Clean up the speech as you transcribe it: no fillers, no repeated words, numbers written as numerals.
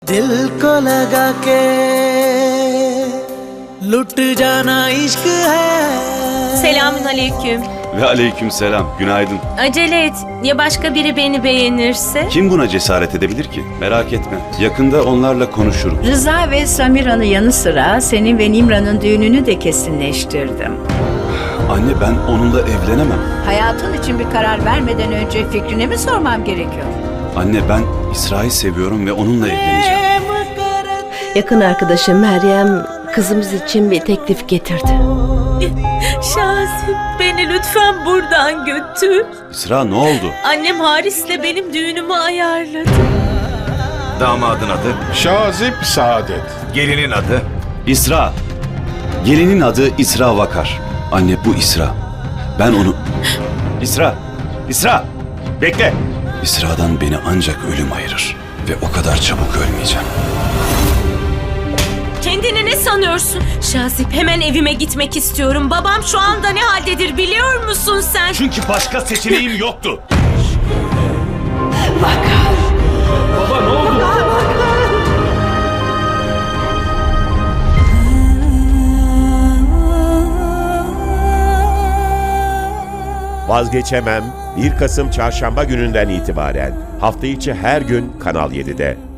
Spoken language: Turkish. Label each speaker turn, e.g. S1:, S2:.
S1: दिल को लगा के लुट जाना इश्क है.
S2: Selamun aleyküm.
S3: Ve aleykümselam. Günaydın.
S2: Acele et. Ya başka biri beni beğenirse?
S3: Kim buna cesaret edebilir ki? Merak etme. Yakında onlarla konuşurum.
S4: Rıza ve Samira'nın yanı sıra senin ve Nimra'nın düğününü de kesinleştirdim.
S3: Anne, ben onunla evlenemem.
S4: Hayatın için bir karar vermeden önce fikrini mi sormam gerekiyor?
S3: Anne, ben İsra'yı seviyorum ve onunla evleneceğim.
S5: Yakın arkadaşım Meryem kızımız için bir teklif getirdi.
S2: Şazip, beni lütfen buradan götür.
S3: İsra, ne oldu?
S2: Annem Haris'le benim düğünümü ayarladı.
S6: Damadın adı
S7: Şazip Saadet.
S6: gelinin adı
S3: İsra. Gelinin adı İsra Vakar. Anne, bu İsra. Ben onu... İsra! İsra! Bekle! İsra'dan beni ancak ölüm ayırır. Ve o kadar çabuk ölmeyeceğim.
S2: Kendini ne sanıyorsun? Şazip, hemen evime gitmek istiyorum. Babam şu anda ne haldedir biliyor musun sen?
S3: Çünkü başka seçeneğim yoktu.
S8: Vazgeçemem 1 Kasım Çarşamba gününden itibaren hafta içi her gün Kanal 7'de.